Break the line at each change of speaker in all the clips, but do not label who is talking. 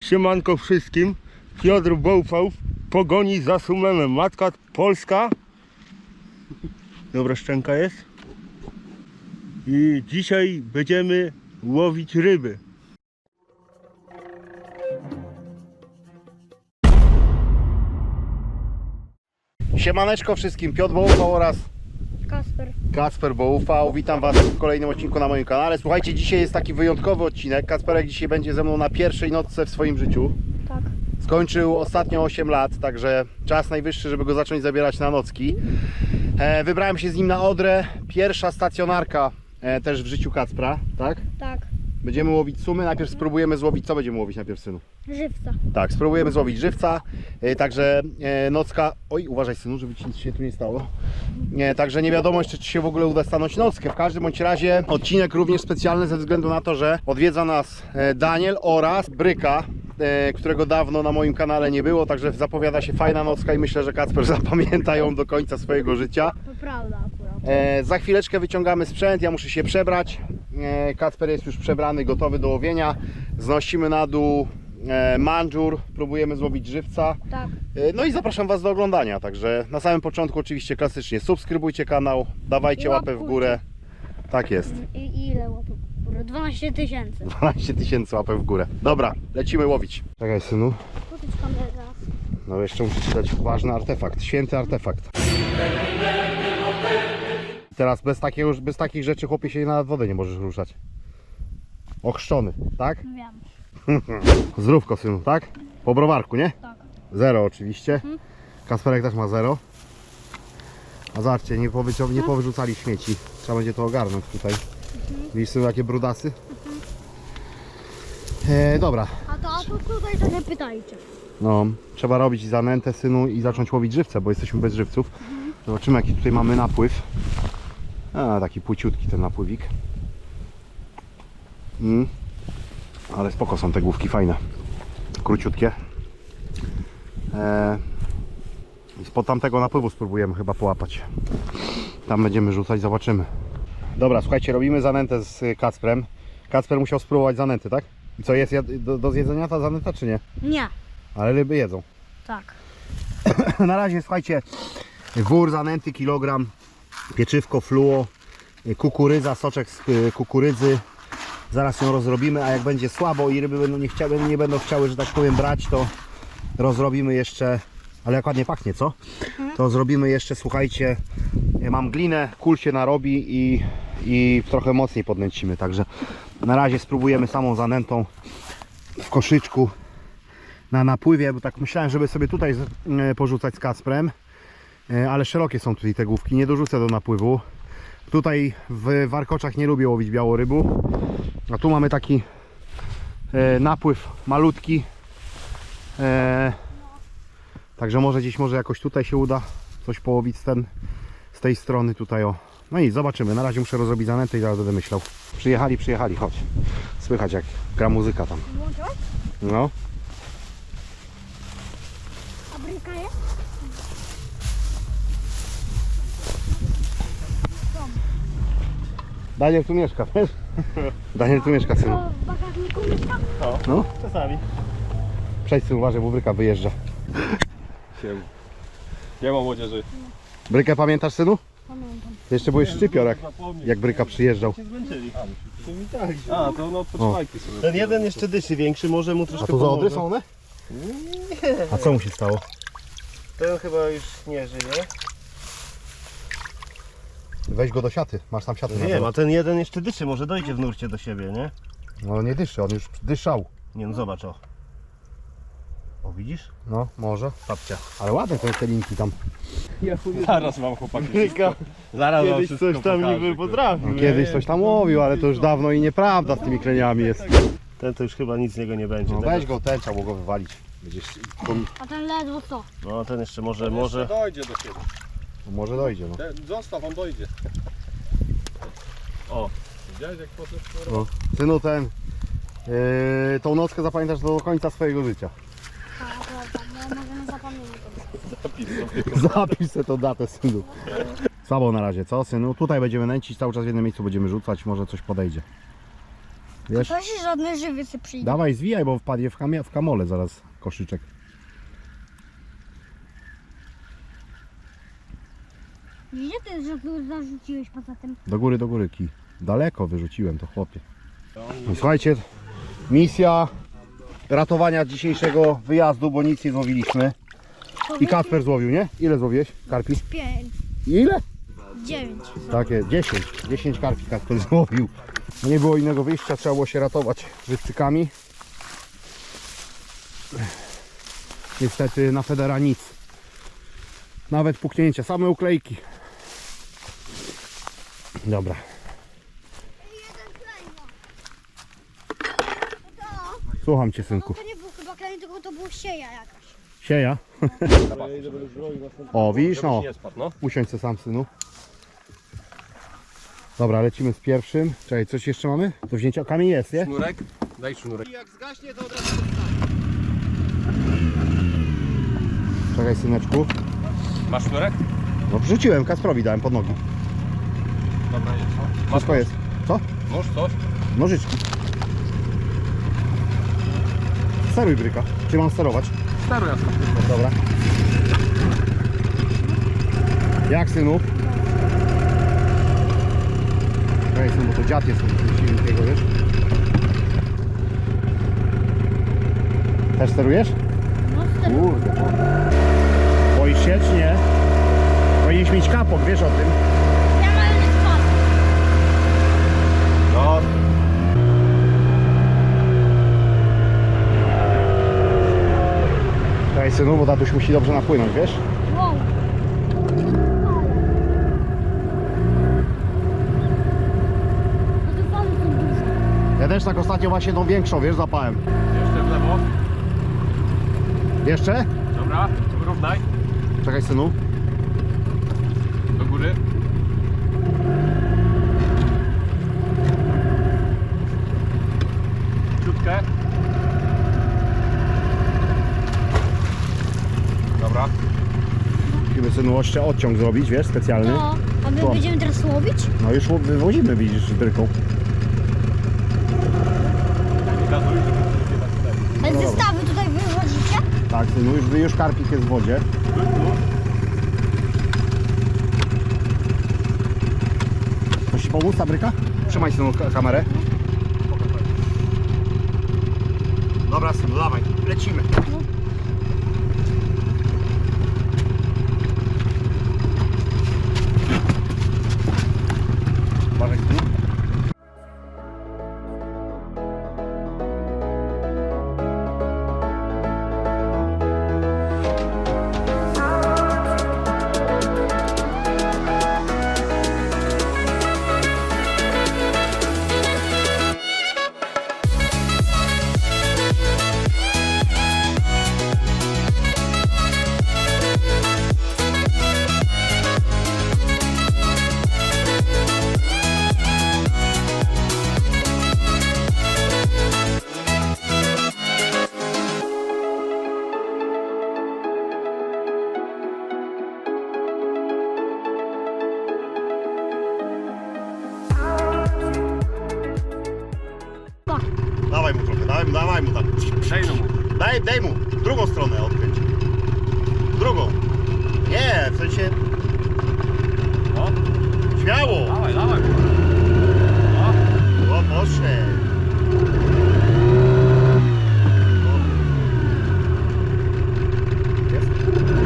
Siemanko wszystkim. Piotr Bołfał w pogoni za Sumemem. Matka polska. Dobra szczęka jest. I dzisiaj będziemy łowić ryby.
Siemaneczko wszystkim, Piotr Bołufał oraz Kacper Bołufał. Witam Was w kolejnym odcinku na moim kanale. Słuchajcie, dzisiaj jest taki wyjątkowy odcinek. Kacperek dzisiaj będzie ze mną na pierwszej nocce w swoim życiu.
Tak.
Skończył ostatnio 8 lat, także czas najwyższy, żeby go zacząć zabierać na nocki. Wybrałem się z nim na Odrę. Pierwsza stacjonarka też w życiu Kacpra, tak?
Tak.
Będziemy łowić sumy. Najpierw spróbujemy złowić. Co będziemy łowić najpierw, synu?
Żywca.
Tak, spróbujemy złowić żywca, także nocka, oj uważaj synu, żeby ci nic się tu nie stało, także nie wiadomo jeszcze, czy się w ogóle uda stanąć nockę. W każdym bądź razie odcinek również specjalny ze względu na to, że odwiedza nas Daniel oraz Bryka, którego dawno na moim kanale nie było, także zapowiada się fajna nocka i myślę, że Kacper zapamięta ją do końca swojego życia.
To prawda akurat.
Za chwileczkę wyciągamy sprzęt, ja muszę się przebrać, Kacper jest już przebrany, gotowy do łowienia, znosimy na dół mandżur, próbujemy złowić żywca.
Tak.
No i zapraszam Was do oglądania. Także na samym początku oczywiście klasycznie subskrybujcie kanał, dawajcie
I
łapę w górę. Tak jest.
I ile łapek? 12 000.
12 000 łapek w górę. Dobra, lecimy łowić. Czekaj synu.
Potyczka teraz.
No jeszcze muszę Ci dać ważny artefakt, święty artefakt. Teraz bez takich rzeczy, chłopie, się na wodę nie możesz ruszać. Ochrzczony, tak?
Wiem.
Zdrówko synu, tak? Po browarku, nie?
Tak.
0 oczywiście. Kasperek też ma 0. A zobaczcie, nie powyrzucali śmieci. Trzeba będzie to ogarnąć tutaj. Widzisz synu, jakie brudasy? Dobra.
A to tutaj to nie pytajcie.
No, trzeba robić zanętę synu i zacząć łowić żywce, bo jesteśmy bez żywców. Zobaczymy, jaki tutaj mamy napływ. A, taki płyciutki ten napływik. Ale spoko są te główki, fajne. Króciutkie. I spod tamtego napływu spróbujemy chyba połapać. Tam będziemy rzucać, zobaczymy. Dobra, słuchajcie, robimy zanętę z Kacprem. Kacper musiał spróbować zanęty, tak? I co, jest do zjedzenia ta zanęta, czy nie?
Nie.
Ale ryby jedzą.
Tak.
Na razie, słuchajcie, wór zanęty, kilogram, pieczywko, fluo, kukurydza, soczek z kukurydzy. Zaraz ją rozrobimy, a jak będzie słabo i ryby nie będą chciały, że tak powiem, brać, to rozrobimy jeszcze, ale jak ładnie pachnie, co? To zrobimy jeszcze, słuchajcie, mam glinę, kul się narobi i trochę mocniej podnęcimy, także na razie spróbujemy samą zanętą w koszyczku na napływie, bo tak myślałem, żeby sobie tutaj porzucać z Kacprem, ale szerokie są tutaj te główki, nie dorzucę do napływu. Tutaj w warkoczach nie lubię łowić białorybu, a tu mamy taki napływ malutki, także może jakoś tutaj się uda coś połowić z tej strony tutaj, o. No i zobaczymy, na razie muszę rozrobić zanętę i zaraz będę myślał. Przyjechali, chodź. Słychać jak gra muzyka tam.
Włączyłeś?
No.
A Bryka jest?
Daniel tu mieszka, wiesz? Daniel tu mieszka, synu.
To w bagażniku mieszka?
No.
Czasami.
Przejdź synu, uważaj, bo Bryka wyjeżdża.
Nie ma młodzieży.
Brykę pamiętasz, synu?
Pamiętam.
Jeszcze byłeś szczypior, jak Bryka przyjeżdżał.
Się zmęczyli. A, to no odpoczywajcie sobie.
Ten jeden jeszcze dyszy większy, może mu
A
troszkę
to za Odry
pomoże.
są one?
Nie,
A co mu się stało?
ten chyba już nie żyje.
Weź go do siaty, masz tam siatę.
Nie, a ten jeden jeszcze dyszy, może dojdzie w nurcie do siebie, nie?
No nie dyszy, on już dyszał.
Nie no, zobacz o. O, widzisz?
No, może.
Babcia.
Ale ładne te linki tam.
Zaraz mam chłopaki.
Zaraz
wam
kiedyś
wszystko
coś tam
pokażę,
niby
kurde.
potrafił.
No, kiedyś coś tam łowił, ale to już dawno i nieprawda z tymi kleniami jest.
Ten to już chyba nic z niego nie będzie.
No
Tego-
weź go, ten trzeba było go wywalić. Będziesz,
A ten ledwo co?
No ten jeszcze może.
Dojdzie do siebie.
może dojdzie, no.
Zostaw, on dojdzie. O, widziałeś jak poszedł?
No. Synu, tą nockę zapamiętasz do końca swojego życia.
A, prawda, no możemy zapomnieć.
Zapisz sobie tą datę, synu. Słabo na razie, co synu? Tutaj będziemy nęcić, cały czas w jednym miejscu będziemy rzucać, może coś podejdzie. Wiesz?
To się żadne żywicy przyjdzie.
Dawaj, zwijaj, bo wpadnie w kamole zaraz koszyczek.
Gdzie ty że tu zarzuciłeś poza tym?
Do góry kij. Daleko wyrzuciłem to, chłopie. No, słuchajcie, misja ratowania dzisiejszego wyjazdu, bo nic nie złowiliśmy. I Kacper złowił, nie? Ile złowiłeś karpi?
5,
Ile?
9.
Takie 10. 10 karpi Kacper złowił. No nie było innego wyjścia, trzeba było się ratować wystrzykami. Niestety na Federa nic. Nawet puknięcia, same uklejki. Dobra. Słucham cię, synku.
To nie był chyba klej, tylko to było sieja jakaś.
Sieja. O, widzisz, no.
Nie spadł, no.
Usiądź se sam, synu. Dobra, lecimy z pierwszym. Czekaj, coś jeszcze mamy? Do wzięcia kamień jest, nie?
Sznurek? Daj sznurek.
Czekaj, syneczku.
Masz sznurek?
No wrzuciłem, Kasprowi dałem pod nogi.
Dobra, jest.
Wszystko jest. Co?
Nóż, coś?
Nożyczki. Steruj bryka. Czy mam sterować?
Steruj, jasno.
Dobra. Jak, synu? Czekaj, synu, bo to dziad jest od silnikiego, wiesz? Też sterujesz?
No wtedy.
Kurde. Boisz się, czy nie? Powinieneś mieć kapok, wiesz o tym?
Ja mam nie spadł.
No. Czekaj, synu, bo tatuś musi dobrze napłynąć, wiesz?
Wow. No to fale są duże.
Ja też tak ostatnio właśnie tą większą, wiesz, zapałem.
Jeszcze w lewo.
Jeszcze?
Dobra, wyrównaj.
Czekaj, synu.
Do góry. Ciutkę. Dobra.
Musimy, synu, odciąg zrobić, wiesz, specjalny.
No, a my
Co?
będziemy teraz łowić?
No już wywozimy, widzisz, z bryką.
Gazuj, żeby nie
Ale zestawy tutaj wywozicie?
Tak, synu, już karpik jest w wodzie. Chcesz ci pomóc, ta bryka? Trzymaj, synu, kamerę. Dobra, synu, dawaj, lecimy. Uważaj, synu. Dawaj mu trochę, dawaj mu tam.
Przejdę mu.
Daj mu, drugą stronę odkręć. Drugą. Nie, w sensie
No,
śmiało.
dawaj, dawaj.
O, poszedł. Jest?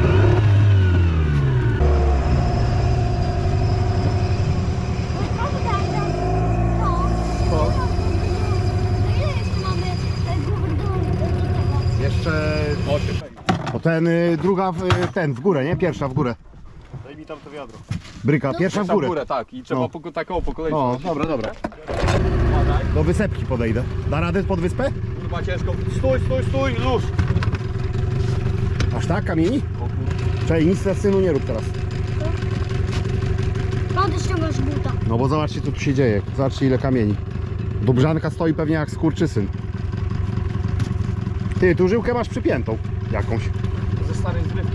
Co?
Ile jeszcze mamy głowę do tego?
Jeszcze...
8.
O ten, druga, w górę, nie? Pierwsza w górę.
Daj mi tam to wiadro.
Bryka, pierwsza w
Tam w
górę.
górę, tak. I trzeba
No.
taką po kolei.
O,
wchodzić.
dobra.
Uważaj.
Do wysepki podejdę. Da radę pod wyspę?
Kurwa ciężko. Stój, luz.
Aż tak, kamieni? Czekaj, nic na synu nie rób teraz.
Pan też ściągasz buta.
No bo zobaczcie, co tu się dzieje. Zobaczcie, ile kamieni. Dobrzanka stoi pewnie jak skurczysyn. Ty, tu żyłkę masz przypiętą jakąś.
Ze starej zrywki.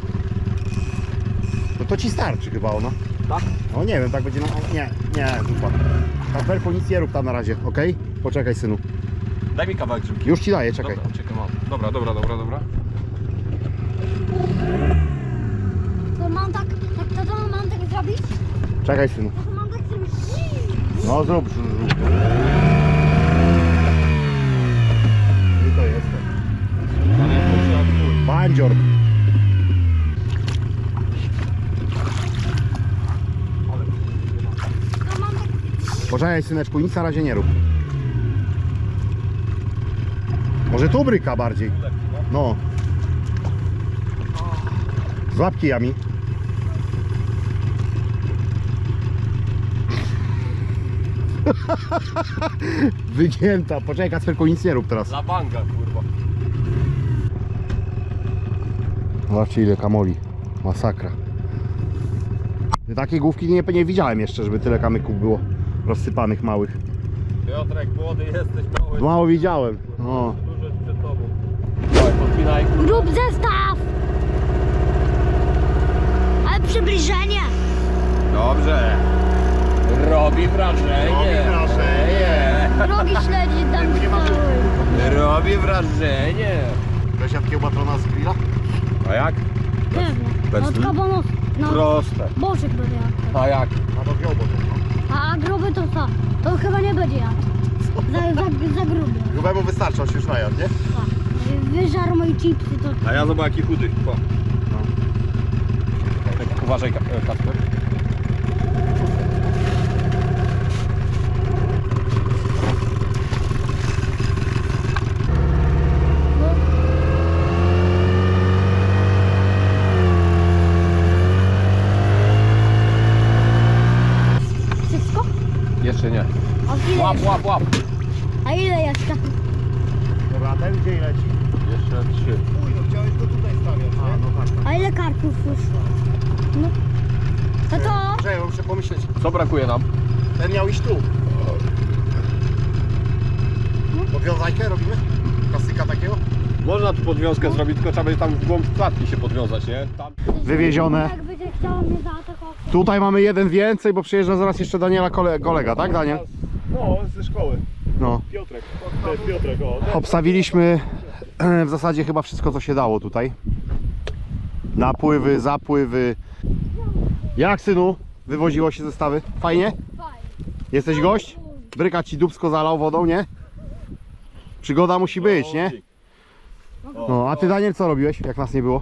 No to ci starczy chyba ona.
Tak?
No nie wiem, tak będzie na... Nie, dupa. Kasperku, nic nie rób tam na razie, okej? Poczekaj, synu.
Daj mi kawałek grzybki.
Już ci daję, czekaj.
Dobra, czekaj, mam. Dobra.
To mam tak zrobić?
Czekaj, synu.
To mam tak zrobić.
No zrób. I to jest. Bandzior.
To mam tak...
Poczekaj, syneczku, nic na razie nie rób. Może tu bryka bardziej. No. Złap kijami. Wygięta. Poczekaj, Kacperku, nic nie rób teraz.
Za banga, kurwa.
Zobaczcie, ile kamoli. Masakra. Takiej główki nie widziałem jeszcze, żeby tyle kamyków było rozsypanych małych.
Piotrek, młody jesteś, mały.
Mało widziałem. O.
Dużo przed tobą. Dawaj, podpinaj.
Grób zestaw! Ale przybliżenie!
Dobrze. Robi wrażenie.
Drogi śledzi tam
Nie ma
stały.
Robi wrażenie.
Weź kiełbatrona z grilla?
A jak?
Pewnie.
Bez
Od kabonów. No,
Proste.
boczek będzie jadł.
A jak?
A to wziął, bo to
A gruby to co? To chyba nie będzie jadł. Za gruby.
grubemu wystarczy, on się już najadł, nie?
Tak. Wyżarł moje chipsy to...
A ja zobacz jaki chudy. Po. Tak, uważaj, Kacper.
Wszystko?
Jeszcze nie.
A ile
Łap,
jeszcze?
łap, łap.
A ile jeszcze?
Dobra, a ten gdzie leci?
Jeszcze 3.
Uj, no chciałeś go tutaj stawiać, nie? No tak.
A ile karpów już? No. No to...
Czekaj, muszę pomyśleć.
Co brakuje nam?
Ten miał iść tu. Podwiązajkę robimy? Klasyka takiego?
Można tu podwiązkę zrobić, tylko trzeba będzie tam w głąb klatki się podwiązać, nie? Tam.
Wywiezione.
Jak będzie chciał mnie zaatakować.
Tutaj mamy jeden więcej, bo przyjeżdża zaraz jeszcze Daniela kolega, tak Daniel?
No, ze szkoły.
No.
Piotrek. To jest Piotrek, o.
Obstawiliśmy w zasadzie chyba wszystko, co się dało tutaj. Napływy, zapływy. Jak, synu? Wywoziło się zestawy? Fajnie?
Fajnie.
Jesteś gość? Bryka ci dupsko zalał wodą, nie? Przygoda musi być, nie? No, a ty, Daniel, co robiłeś, jak nas nie było?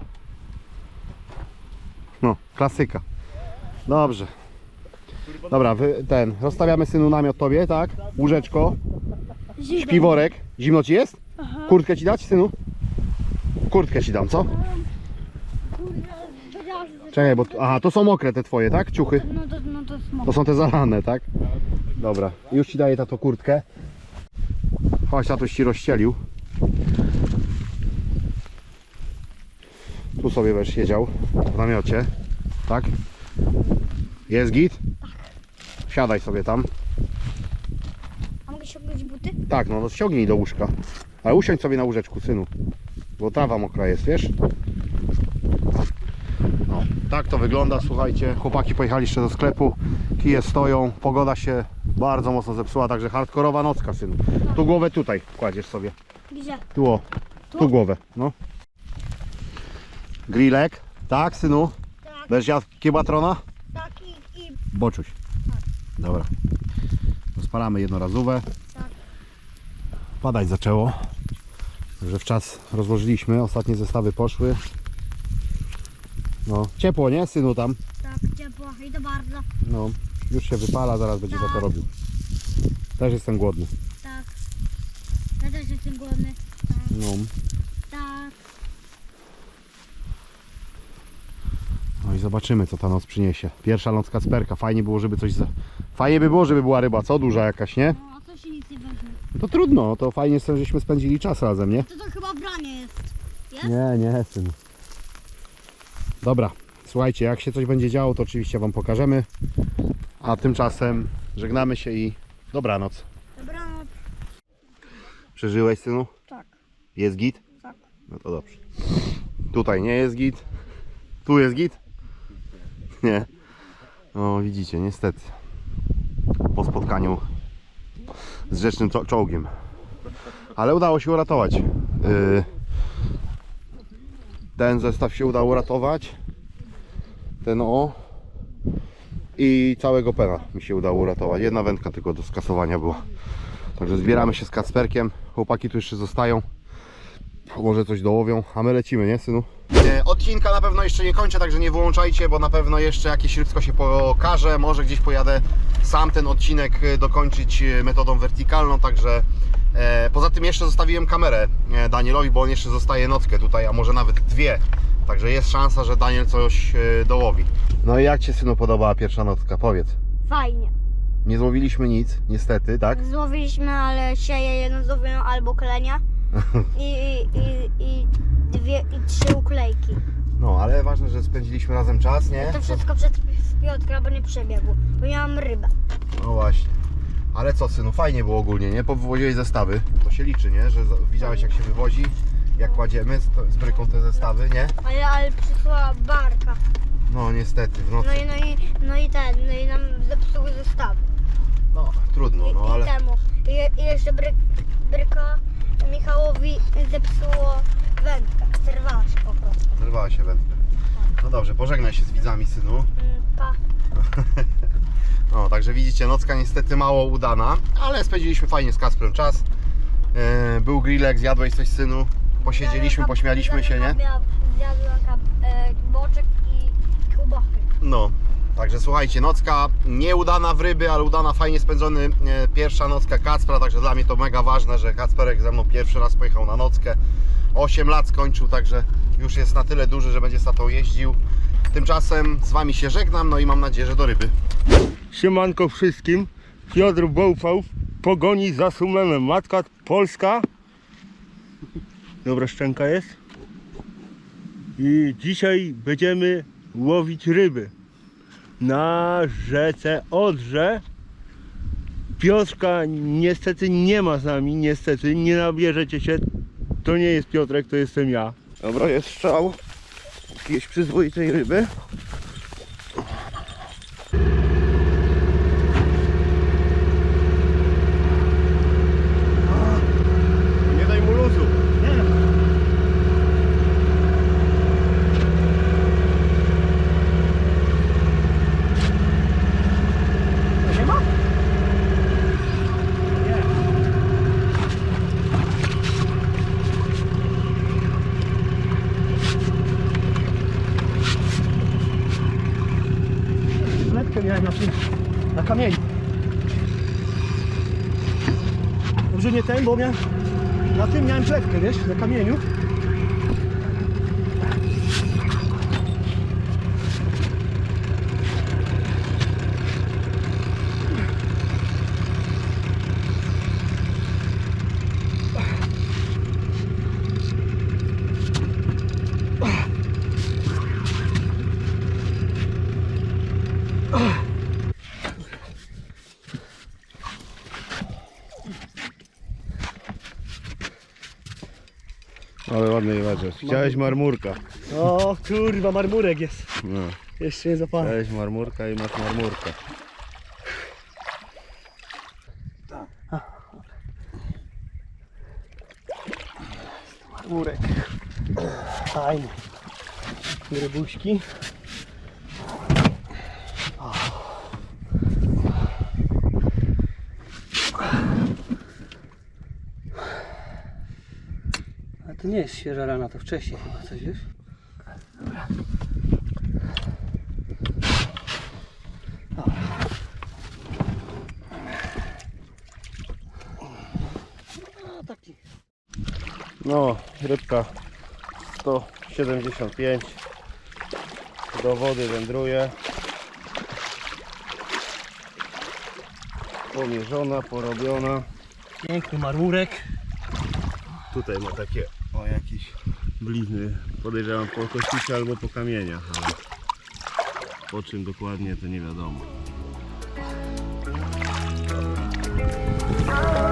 No, klasyka. Dobrze. Dobra, rozstawiamy, synu, namiot tobie, tak? Łóżeczko, śpiworek. Zimno ci jest? Kurtkę ci dać, synu? Kurtkę ci dam, co? Czekaj, bo... Aha, to są mokre te twoje, tak? Ciuchy.
No to smok.
To są te zalane, tak? Dobra, już ci daję tato kurtkę. Chodź, tatuś ci rozścielił. Tu sobie będziesz siedział w namiocie, tak? Jest git? Siadaj sobie tam.
A mogę ściągnąć buty?
Tak, no ściągnij do łóżka. Ale usiądź sobie na łóżeczku, synu. Bo trawa mokra jest, wiesz? No, tak to wygląda, słuchajcie. Chłopaki pojechali jeszcze do sklepu. Kije stoją, pogoda się bardzo mocno zepsuła, także hardkorowa nocka, synu. Tu głowę tutaj kładziesz sobie.
Gdzie?
Tu o, tu głowę, no. Grillek, tak, synu?
Tak,
Będziesz jadł kiełbatrona?
tak i
Boczuś. Dobra. Rozpalamy jednorazowe.
Tak.
Padać zaczęło. Także w czas rozłożyliśmy. Ostatnie zestawy poszły. No, ciepło, nie, synu, tam?
tak ciepło i to bardzo.
No, już się wypala, zaraz będzie za to robił. Też jestem głodny.
Tak. Ja też jestem głodny. Tak.
No.
Tak.
No i zobaczymy, co ta noc przyniesie. Pierwsza noc Kacperka. Fajnie było, żeby coś... Fajnie by było, żeby była ryba, co? Duża jakaś, nie?
No, a to się nic nie weźmie.
To trudno, to fajnie, żeśmy spędzili czas razem, nie?
To chyba branie jest. Jest?
Nie, syn. Dobra, słuchajcie, jak się coś będzie działo, to oczywiście wam pokażemy. A tymczasem żegnamy się i dobranoc.
Dobranoc.
Przeżyłeś, synu?
Tak.
Jest git?
Tak.
No to dobrze. Tutaj nie jest git. Tu jest git? Nie. No widzicie, niestety. Po spotkaniu z rzecznym czołgiem. Ale udało się uratować. Ten zestaw się udało uratować. Ten i całego pena mi się udało uratować. Jedna wędka tylko do skasowania była. Także zbieramy się z Kacperkiem. Chłopaki tu jeszcze zostają. Może coś dołowią, a my lecimy, nie synu? Odcinka na pewno jeszcze nie kończę, także nie wyłączajcie, bo na pewno jeszcze jakieś rybsko się pokaże. Może gdzieś pojadę sam ten odcinek dokończyć metodą wertykalną, także poza tym jeszcze zostawiłem kamerę Danielowi, bo on jeszcze zostaje nockę tutaj, a może nawet dwie. Także jest szansa, że Daniel coś dołowi. No i jak Ci, synu, podobała pierwsza nocka? Powiedz.
Fajnie.
Nie złowiliśmy nic, niestety, tak?
Złowiliśmy, ale sieje jedno złowiłem albo klenia i 3 uklejki.
No, ale ważne, że spędziliśmy razem czas, nie?
To wszystko przez Piotra, bo nie przebiegł, bo miałam rybę.
No właśnie. Ale co, synu, fajnie było ogólnie, nie? Powywoziłeś zestawy, to się liczy, nie? Że widziałeś, jak się wywozi, jak kładziemy z bryką te zestawy, nie?
Ale przyszła barka.
No niestety, w nocy.
No i nam zepsuły zestawy.
No, trudno, no ale...
I jeszcze bryka Michałowi zepsuło wędkę. Zerwała się po prostu.
Zerwała się wędka. No dobrze, pożegnaj się z widzami, synu.
Pa.
No, także widzicie, nocka niestety mało udana, ale spędziliśmy fajnie z Kasprem czas. Był grillek, zjadłeś coś, synu. Posiedzieliśmy, pośmialiśmy się, nie?
Zjadłem boczek i kiełbachy.
No, także słuchajcie, nocka nieudana w ryby, ale udana, fajnie spędzony pierwsza nocka Kacpra, także dla mnie to mega ważne, że Kacperek ze mną pierwszy raz pojechał na nockę. 8 lat skończył, także już jest na tyle duży, że będzie z tatą jeździł. Tymczasem z Wami się żegnam, no i mam nadzieję, że do ryby.
Siemanko wszystkim. Piotr Bołfał w pogoni za Sumenem. Matka polska. Dobra szczęka jest. I dzisiaj będziemy łowić ryby na rzece Odrze. Piotrka niestety nie ma z nami, niestety nie nabierzecie się. To nie jest Piotrek, to jestem ja.
Dobra, jest strzał jakiejś przyzwoitej ryby.
Nie daj mu luzu.
Nie ma? Wlepkę miałem na kamieniu. Dobrze nie ten, bo na tym miałem klepkę, wiesz, na kamieniu.
Ale ładny jewaczek. Chciałeś marmurka.
O kurwa, marmurek jest.
No.
Jeszcze nie zapałem.
Chciałeś marmurka i masz marmurkę.
Marmurek. Fajny. Rybuśki. A to nie jest świeża rana, to wcześniej chyba coś, wiesz? Dobra. No, taki.
No, rybka 175 do wody wędruje. Pomierzona, porobiona.
Piękny marmurek.
Tutaj ma takie jakieś blizny. Podejrzewam po kościcie albo po kamieniach, ale po czym dokładnie to nie wiadomo.